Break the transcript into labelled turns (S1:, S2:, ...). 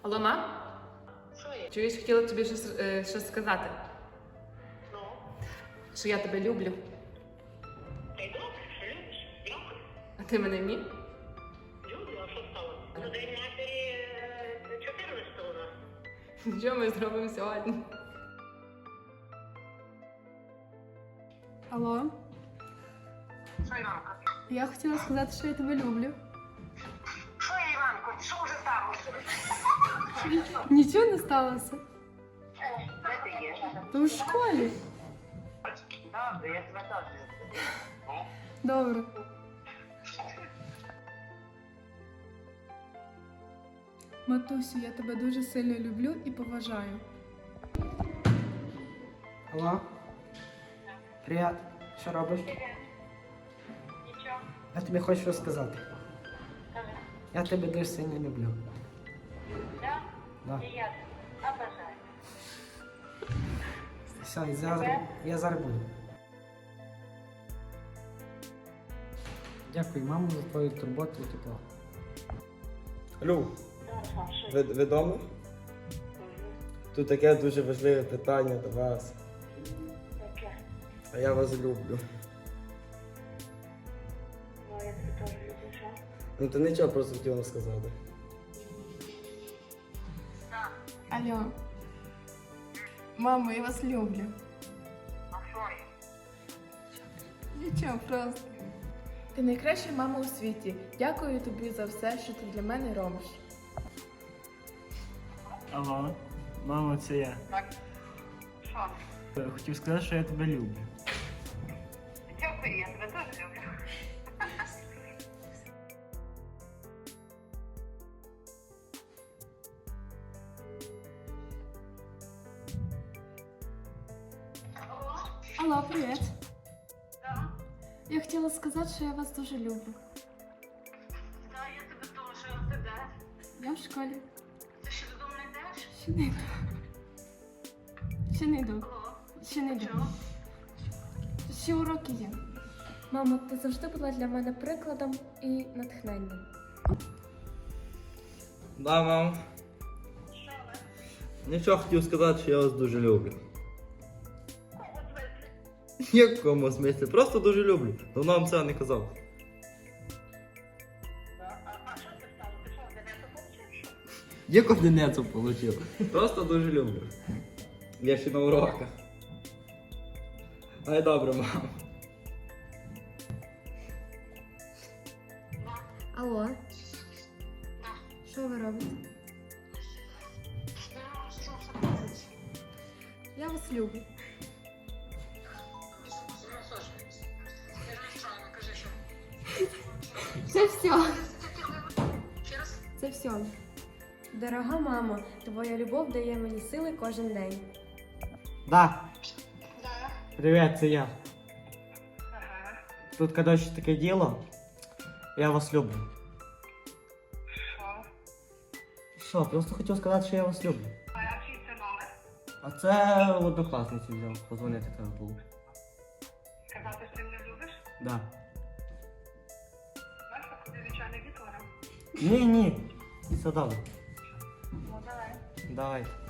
S1: Алло, мам?
S2: Що є?
S1: Чуєш, хотіла тобі щось сказати.
S2: Ну?
S1: Що я тебе люблю.
S2: Та й добре, що любиш? Дякую.
S1: А ти мене ні?
S2: Люблю, а що стало? На День матері 14 у нас.
S1: Що ми зробимо сьогодні?
S3: Алло,
S2: Що, Іванко?
S3: я хотіла сказати, що я тебе люблю.
S2: Що, Іванко? Що вже сталося?
S3: Нічого не сталося.
S2: Де ти є?
S3: То в школі.
S2: Добре, я тебе теж люблю.
S3: Добре. Матусю, я тебе дуже сильно люблю і поважаю.
S4: Алло? Привіт. Що робиш?
S2: Нічого.
S4: Я тобі хочу розказати.
S2: Скажи.
S4: Я тебе дуже сильно люблю.
S2: Да?
S4: Да.
S2: І я обожаю.
S4: Все, я зараз буду. Дякую, мамо, за твою турботу і тепло.
S5: Алло,
S2: Добре, що є?
S5: ви вдома? Тут таке дуже важливе питання до вас.
S2: Таке.
S5: А я вас люблю.
S2: Ну, я тебе теж люблю, що?
S5: Ну то нічого, просто хотів вам сказати.
S2: Так.
S3: Алло. Мамо, я вас люблю.
S2: А що є?
S3: Нічого, просто. Ти найкраща мама у світі. Дякую тобі за все, що ти для мене робиш.
S6: Алло, мамо, це я.
S2: Так. Що?
S6: Хотів сказати, що я тебе люблю.
S2: Дякую, я тебе теж люблю.
S3: Алло, привіт.
S2: Так.
S3: Я хотіла сказати, що я вас дуже люблю.
S2: Так, я тебе теж. А ти де?
S3: Я в школі.
S2: Ти ще додому не йдеш?
S3: Ще не йду. Ще не йду.
S2: Алло.
S3: Ще не йду.
S2: Чого?
S3: Ще уроки є. Мамо, ти завжди була для мене прикладом і натхненням.
S5: Да, мам.
S2: Що ви?
S5: Нічого хотів сказати, що я вас дуже люблю.
S2: Кого звати?
S5: В якому смислі? Просто дуже люблю. Давно вам це не казав.
S2: А що ти стало? Ти що, дев'яту получив?
S5: Яку одиницю отримав? Просто дуже люблю. Я ще на уроках. Ай, добре, мам.
S3: Алло. Що ви робите? Я вас люблю. Це все. Це все. Дорога мамо, твоя любов дає мені сили кожен день.
S4: Да. Привіт, це я.
S2: Ага.
S4: Тут, коротше, таке діло. Я вас люблю.
S2: Що?
S4: Що, просто хотів сказати, що я вас люблю.
S2: А чий це номер?
S4: А це однокласниці взяв, позвонити треба було.
S2: Сказати, що ти мене любиш?
S4: Да.
S2: Знаєш, що тобі звичайно відтворив?
S4: Ні. Все добре.
S2: Ну, давай.
S4: Давай.